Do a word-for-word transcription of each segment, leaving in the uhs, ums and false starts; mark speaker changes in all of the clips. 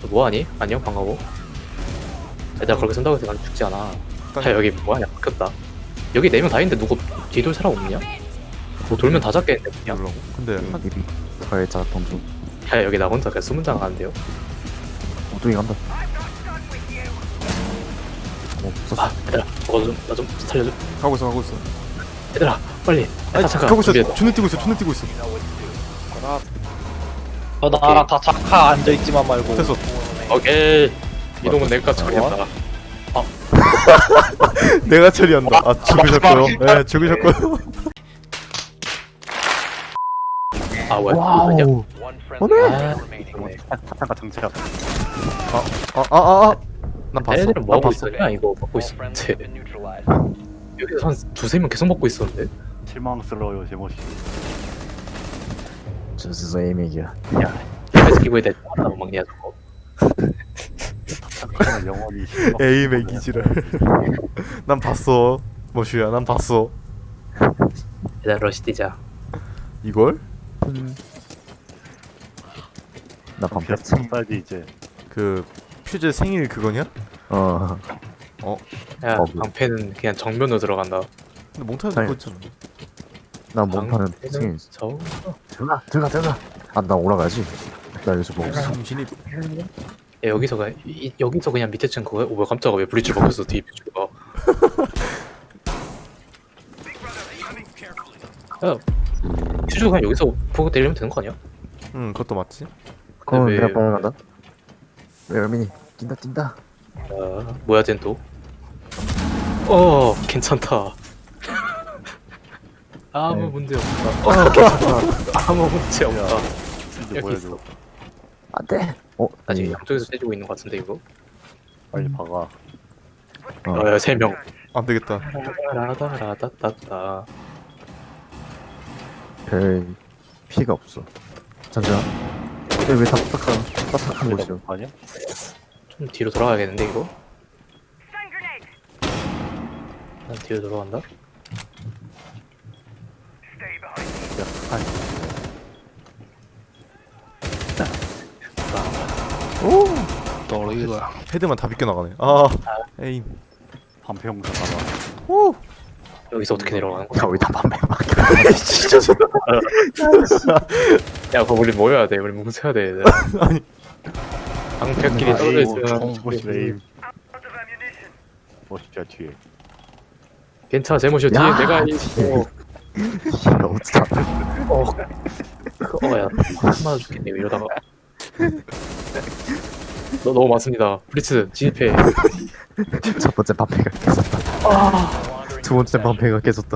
Speaker 1: 너 뭐하니? 안녕 반가워. 얘들아 그렇게 쓴다고 해서 난 죽지 않아. 야 여기 뭐하냐 바뀌었다. 여기 네 명 다 있는데 누구 뒤돌 사람 없냐? 뭐 돌면 다 잡겠는데 그냥.
Speaker 2: 몰라. 근데 한
Speaker 3: 님이 가해자 던져.
Speaker 1: 야 여기 나 혼자 그냥 수문장 가는데요.
Speaker 3: 엉뚱이 간다. 어,
Speaker 1: 아
Speaker 3: 썼어.
Speaker 1: 얘들아 저거 좀 나 좀 살려줘.
Speaker 2: 가고 있어 가고 있어.
Speaker 1: 얘들아 빨리.
Speaker 2: 아니
Speaker 1: 아, 잠깐
Speaker 2: 가고 있어.
Speaker 1: 준비해.
Speaker 2: 존나 뛰고 있어. 존나 뛰고 있어.
Speaker 4: 저 나랑 다 잠깐 앉아있지만 말고
Speaker 2: 됐어.
Speaker 1: 오케이. 이동은 내가 처리한다.
Speaker 2: 내가 처리한다. 아 죽으셨고요. 네 죽으셨고요.
Speaker 1: 아 뭐야? 아니야?
Speaker 3: 와우.
Speaker 1: 아,
Speaker 4: 타타가 정체야.
Speaker 2: 아아 아 아. 난 봤어.
Speaker 1: 얘네들은
Speaker 2: 난
Speaker 1: 뭐 하고
Speaker 2: 봤어.
Speaker 1: 있었냐? 이거 먹고 있었는데 여기서 한 두세 명 계속 먹고 있었는데.
Speaker 4: 실망스러워요 제모씨.
Speaker 3: 저스서 에이맥이야.
Speaker 1: 야, 그래서 기고에 대해 하나 못 먹냐 저거?
Speaker 4: 타타가 영원히 실망.
Speaker 2: 에이 맥이지를. 난 봤어. 머슈야 난 봤어.
Speaker 1: 얘들아 러시 뛰자.
Speaker 2: 이걸?
Speaker 3: 나 반패.
Speaker 4: 비슷하지 이제.
Speaker 2: 그 퓨즈 생일 그거냐?
Speaker 3: 어.
Speaker 1: 야
Speaker 3: 어,
Speaker 1: 방패는 그냥 정면으로 들어간다.
Speaker 2: 근데 몽타는
Speaker 3: 아니.
Speaker 2: 그거 있잖아.
Speaker 3: 나 몸파는 생일.
Speaker 1: 저
Speaker 3: 들어가 들어가 들어가. 아 나 올라가야지. 나 여기서 먹었어.
Speaker 2: 정신이
Speaker 1: 야, 여기서 가 이, 여기서 그냥 밑에 층 그거? 오 뭐야 깜짝아 왜 브리츠 먹혔어 뒤에 퓨즈가. 야 퓨즈가 그냥 여기서 보고 때리면 되는 거 아니야?
Speaker 2: 응 그것도 맞지?
Speaker 3: 그럼
Speaker 1: 왜-
Speaker 3: 내가 빨아간다. 왜 열민이 뛴다 뛴다.
Speaker 1: 아 뭐야 쟨 또? 어 괜찮다. 아무
Speaker 3: 네.
Speaker 1: 문제 없다. 어 괜찮다. 아무 문제 없다.
Speaker 4: 이제
Speaker 1: 여기
Speaker 4: 보여줘.
Speaker 1: 있어.
Speaker 3: 안돼. 어
Speaker 1: 나 지금
Speaker 3: 아니.
Speaker 1: 양쪽에서 때리고 있는 거 같은데 이거?
Speaker 4: 빨리 박아.
Speaker 3: 어.
Speaker 1: 어야 세 명.
Speaker 2: 안 되겠다.
Speaker 1: 라다라다따따.
Speaker 3: 별 피가 없어. 잠시만. 왜 답답한 답답한 곳이야?
Speaker 4: 아니야?
Speaker 1: 좀 뒤로 돌아가야겠는데 이거? 난 뒤로 돌아간다.
Speaker 4: 야, 아니.
Speaker 2: 헤드만 다 비껴 나가네. 아 에임.
Speaker 4: 반패용사 가봐.
Speaker 2: 오.
Speaker 1: 여기서 어떻게 내려가는 거야?
Speaker 3: 야왜다 반패 막.
Speaker 2: 진짜 좋다.
Speaker 1: 야 그거 우리 모여야 돼. 우리 뭉쳐야 돼.
Speaker 2: 아니.
Speaker 1: 방패끼리 떨어져 있으면
Speaker 4: 제모씨 레임. 멋있자 뒤에.
Speaker 1: 괜찮아 제모쇼 뒤에
Speaker 3: 야,
Speaker 1: 내가 있어.
Speaker 3: 어쩌다.
Speaker 1: 어, 어야 맞아 죽겠네 이러다가. 너 너무 많습니다. 브리츠 진입해.
Speaker 3: 첫 번째 반패가 깨졌다. 두 번째 반패가 깨졌다.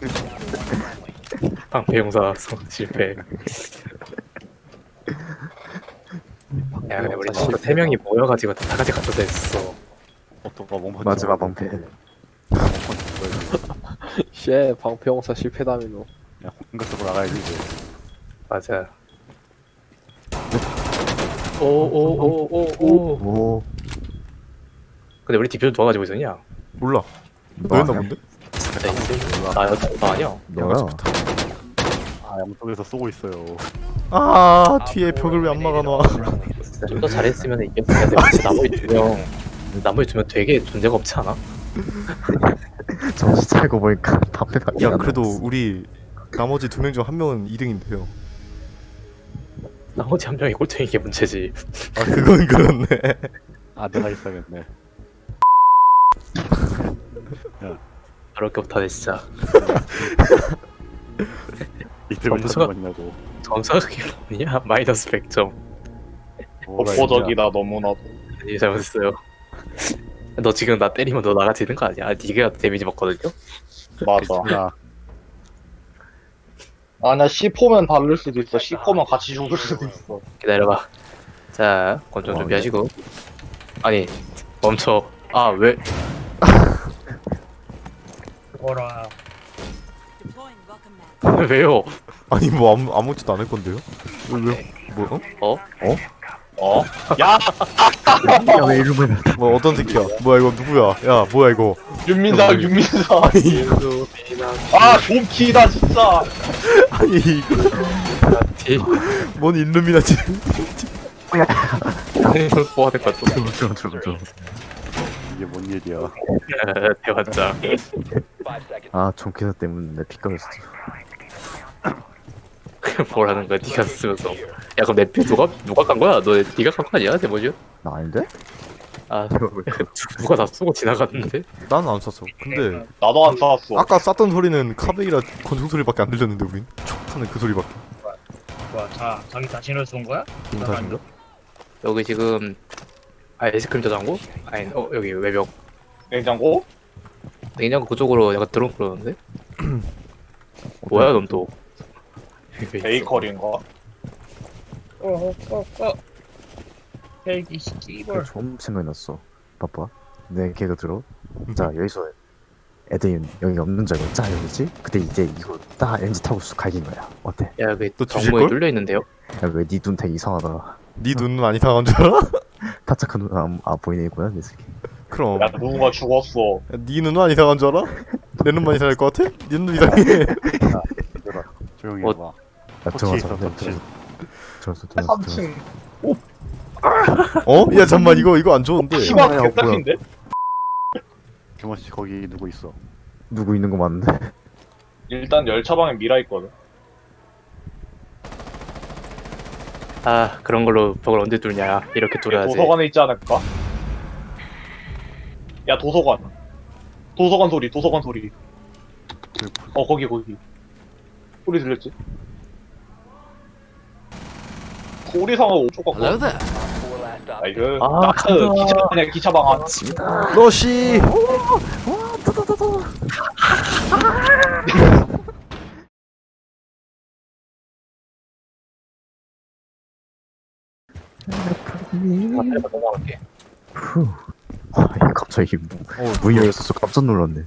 Speaker 1: 방패 용사 성 실패. 야 근데 우리 진짜 세 명이 모여가지고 다 같이 갖다 댔어.
Speaker 4: 어떤가 몽펀치.
Speaker 3: 마지막 반패.
Speaker 5: 쉣 방패용사 실패다미노.
Speaker 4: 야 공격적으로 나가야지 이제.
Speaker 1: 맞아. 오오오오오.
Speaker 3: 오.
Speaker 1: 근데 우리 디퓨저 누가 가지고 있었냐?
Speaker 2: 몰라. 너였나 본데?
Speaker 1: 나 나였다. 나 아니야.
Speaker 3: 너야.
Speaker 4: 아 양쪽에서 쏘고 있어요.
Speaker 2: 아 뒤에 벽을 왜 안 막아놔?
Speaker 1: 좀 더 잘했으면 이겼어야 돼. 혹시 나머지 두 명, 나머지 두 명 되게 존재가 없지 않아?
Speaker 3: 정신 차리고 보니까 반패가.
Speaker 2: 야 그래도 우리 나머지 두 명 중 한 명은 이 등인데요.
Speaker 1: 나머지 한 명이 꼴등인 게 문제지.
Speaker 2: 아 그건 그렇네.
Speaker 4: 아 내가 있어야겠네.
Speaker 1: 그럴 게 없다네 진짜.
Speaker 4: 이틀 왜
Speaker 1: 점수가-
Speaker 4: 찾는 거냐고.
Speaker 1: 점수가 그게 뭐냐? 마이너스 백 점.
Speaker 4: 독보적이다
Speaker 5: 너무나도.
Speaker 1: 이 잘못했어요. 너 지금 나 때리면 너 나가지는 거 아니야? 아, 네가 데미지 먹거든요?
Speaker 5: 맞아.
Speaker 4: 야
Speaker 5: 아나 씨포면 다를 수도 있어. 씨포면 같이 죽을 수도 있어.
Speaker 1: 기다려봐. 자, 권총
Speaker 3: 어,
Speaker 1: 준비하시고. 아니, 멈춰. 아, 왜?
Speaker 5: 뭐라.
Speaker 1: 왜요?
Speaker 2: 아니 뭐 아무 아무것도 안 할 건데요? 왜 왜? 뭐? 어?
Speaker 1: 어?
Speaker 5: 어? 야
Speaker 3: 야왜 이러면.
Speaker 2: 뭐 어떤 새끼야? 뭐야 이거 누구야? 야 뭐야 이거?
Speaker 5: 윤민사 윤민사.
Speaker 2: 아니
Speaker 5: 아 좀키다 진짜.
Speaker 2: 아니 이거
Speaker 1: 티.
Speaker 2: 뭔 일루미나지?
Speaker 1: 뭐가 될것 같아.
Speaker 3: 들어 들어 들어 들어.
Speaker 4: 이게 뭔 일이야?
Speaker 1: 대환장.
Speaker 3: 아 종캐서 때문에 내 피 까였어.
Speaker 1: 뭐라는 거야? 네가 쓰면서. 야 그럼 내 피 누가 누가 깐 거야? 너 네가 깐 거 아니야? 대모지?
Speaker 3: 나 아닌데?
Speaker 1: 아 누가 다 쏘고 지나갔는데?
Speaker 2: 나는 안 쐈어. 근데
Speaker 5: 나도 안 쐈어.
Speaker 2: 아까 쐈던 소리는 카베이라 권총 소리밖에 안 들렸는데 우린 촉 하는 그 소리밖에.
Speaker 6: 뭐야, 자, 자기 자신을 쏜 거야?
Speaker 2: 기분 탓인가?
Speaker 1: 여기 지금 아이스크림 저장고? 아니 어 여기 외벽.
Speaker 5: 냉장고?
Speaker 1: 냉장고 그쪽으로 약간 드론 그러는데? 뭐야 넌 또?
Speaker 5: 베이커리인가?
Speaker 6: 어, 어, 어, 어. 헬기 씨발.
Speaker 3: 좀 생각이 났어. 봐봐. 내 걔가 들어. 자 여기서 애들이 여기 없는 줄 알고 자 여기지? 그때 이제 이거 딱 엔지 타고 쑥 갈긴 거야. 어때?
Speaker 1: 야 여기
Speaker 2: 또
Speaker 1: 정문이
Speaker 2: 뒤질걸?
Speaker 1: 뚫려 있는데요?
Speaker 3: 야왜네 눈 되게 이상하다.
Speaker 2: 네 눈은 안 이상한 줄 알아?
Speaker 3: 타착한 눈 안 아, 보이네 이거야 내 새끼.
Speaker 2: 그럼
Speaker 5: 야 누군가 죽었어.
Speaker 2: 야, 네 눈은 안 이상한 줄 알아? 내 눈만 이상할 것 같아? 네 눈은 이상해.
Speaker 4: 얘들아, 조용히
Speaker 1: 어,
Speaker 4: 해봐.
Speaker 3: 야
Speaker 4: 터치
Speaker 3: 들어가자.
Speaker 4: 있어, 터치.
Speaker 3: 들어왔어 들어왔어
Speaker 5: 삼 층.
Speaker 2: 어? 야 잠만 이거 이거 안 좋은데.
Speaker 5: 키가
Speaker 3: 뭐야,
Speaker 5: 개딱인데?
Speaker 4: 김원씨 거기 누구 있어?
Speaker 3: 누구 있는 거 맞는데?
Speaker 5: 일단 열차방에 미라 있거든.
Speaker 1: 아 그런 걸로 벽을 언제 뚫냐? 이렇게 뚫어야지.
Speaker 5: 도서관에 있지 않을까? 야 도서관. 도서관 소리. 도서관 소리. 어 거기 거기. 소리 들렸지? 소리 상하고 오쪽 같고. 아 이거
Speaker 1: 아,
Speaker 5: 나트 기차방이야 기차방 안.
Speaker 2: 러시.
Speaker 1: 아, 내가 넘어갈게.
Speaker 3: 후. 아, 이거 갑자기 무,
Speaker 2: 어,
Speaker 3: 문이 열렸어. 깜짝 놀랐네.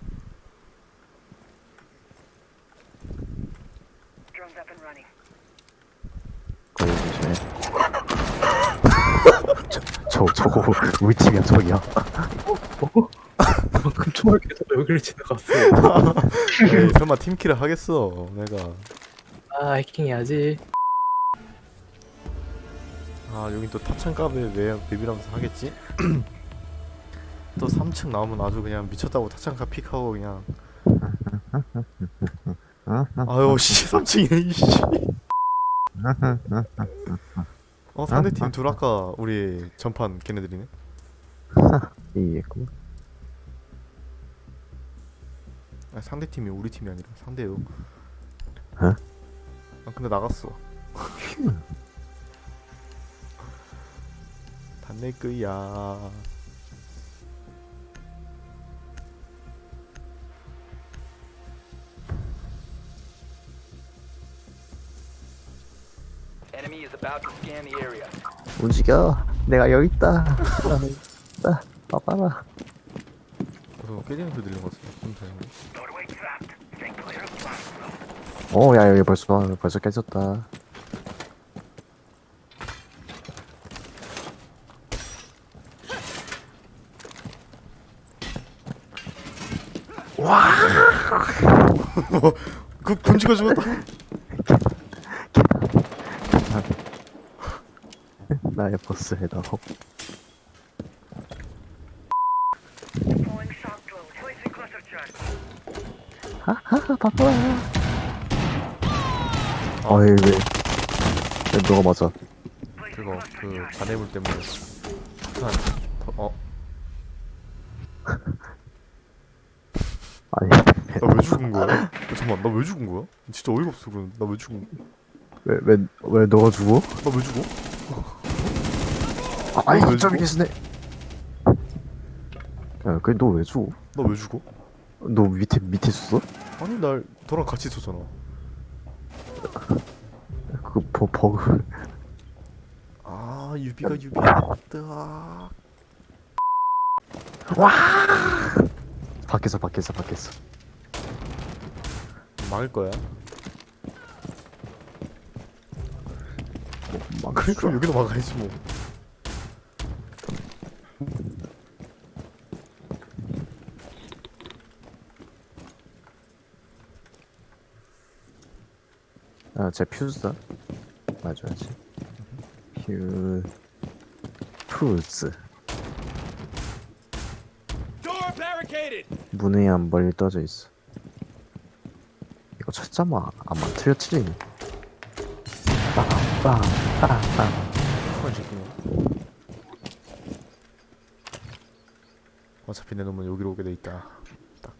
Speaker 3: 거기 조심해. 저, 저, 저거 우리 팀이야, 저기야.
Speaker 1: 그만큼 총알 계속 여기를 지나갔어.
Speaker 2: 에이, 설마 팀킬을 하겠어 내가.
Speaker 1: 아 해킹해야지.
Speaker 2: 아 여긴 또 타창갑에 왜 맵이라면서 하겠지? 또 삼 층 나오면 아주 그냥 미쳤다고 타창갑 픽하고 그냥. 아유 씨 삼 층이네 이씨. 어 상대팀 둘 아까 우리 전판 걔네들이네.
Speaker 3: 이해했고.
Speaker 2: 아 상대팀이 우리 팀이 아니라 상대요.
Speaker 3: 어?
Speaker 2: 아 근데 나갔어. 다 내 거야.
Speaker 7: Enemy is about to scan the area.
Speaker 3: 움직여. 내가 여기 있다. 나는 있다. 봐봐라.
Speaker 2: 어, 깨지는 소리 들린 것 같아. 좀 다행이네.
Speaker 3: 어, 야, 여기 벌써, 벌써 깨졌다.
Speaker 2: 그 곤지가 죽었다.
Speaker 3: 나의 버스에다. 하하, 바빠라. 어이, 왜, 왜 너가 맞아?
Speaker 2: 그거 그 잔해물 때문에. 한 더, 어?
Speaker 3: 아니,
Speaker 2: 나 왜 죽은 거야? 어, 잠깐만 나 왜 죽은 거야? 진짜 어이가 없어. 그럼 나 왜 죽은?
Speaker 3: 왜, 왜, 왜 너가 죽어?
Speaker 2: 나 왜 죽어?
Speaker 3: 아, 아이,
Speaker 2: 왜
Speaker 3: 좀
Speaker 2: 죽어?
Speaker 3: 계시네. 야, 그래, 너 왜 죽어?
Speaker 2: 나 왜 죽어?
Speaker 3: 너 밑에, 밑에 있었어?
Speaker 2: 아니 날 너랑 같이 있었잖아.
Speaker 3: 그, 버, 버그.
Speaker 2: 아 유비가 유비였다.
Speaker 3: 밖에서, 밖에서, 밖에서.
Speaker 2: 막을 거야.
Speaker 3: 막,
Speaker 2: 그래 그럼 여기도 막아야지 뭐.
Speaker 3: 아, 제 퓨즈다. 맞아야지. 퓨. 크루즈. 문에 한 멀리 떠져 있어. 이거 찾자마 아마 틀렸지. 빵빵빵빵.
Speaker 2: 한번 짓구나. 어차피 내 놈은 여기로 오게 돼 있다. 딱.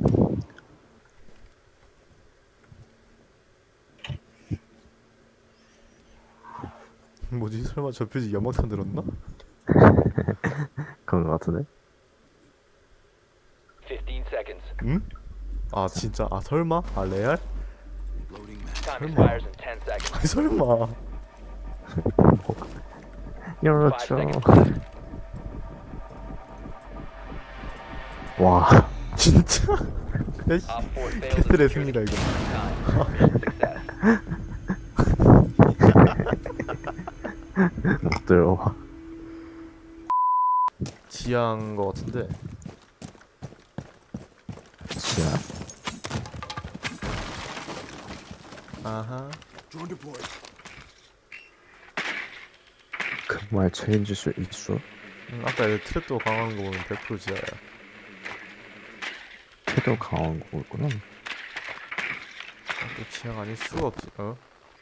Speaker 2: 뭐지? 설마 저 표지 연막탄 들었나?
Speaker 3: 그런 거 같은데?
Speaker 7: fifteen seconds.
Speaker 2: 응? 아 진짜? 아 설마? 아 레알?
Speaker 7: Time expires in ten seconds.
Speaker 2: 아니 설마.
Speaker 3: 그렇죠.
Speaker 7: seconds.
Speaker 3: 와,
Speaker 2: 진짜? 야씨.
Speaker 7: Op four failed to
Speaker 2: 캐슬의
Speaker 7: secure
Speaker 2: 승리다 이거.
Speaker 7: time. Success.
Speaker 3: 못 들어와.
Speaker 2: 지하인 거 같은데.
Speaker 3: 지야.
Speaker 2: 아하.
Speaker 3: 그 말 책임질 수 있어?
Speaker 2: 응, 아까 얘 트랩도 강한 거 보면 백 퍼센트 지하야.
Speaker 3: 태도 강한 거구나.
Speaker 2: 아, 또 지하가 아닐 수가 없지. 어?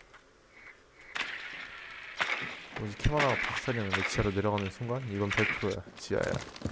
Speaker 2: 뭐지 캐마라가 박살이었는데 지하로 내려가는 순간 이건 백 퍼센트야. 지하야.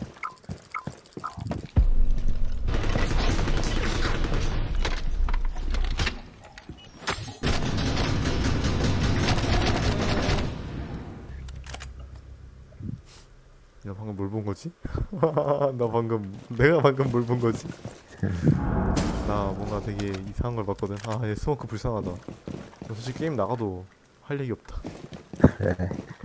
Speaker 2: 야 방금 뭘 본 거지? 나 방금 내가 방금 뭘 본 거지? 나 뭔가 되게 이상한 걸 봤거든. 아 얘 스모크 불쌍하다. 너 솔직히 게임 나가도 할 얘기 없다.
Speaker 3: 그래.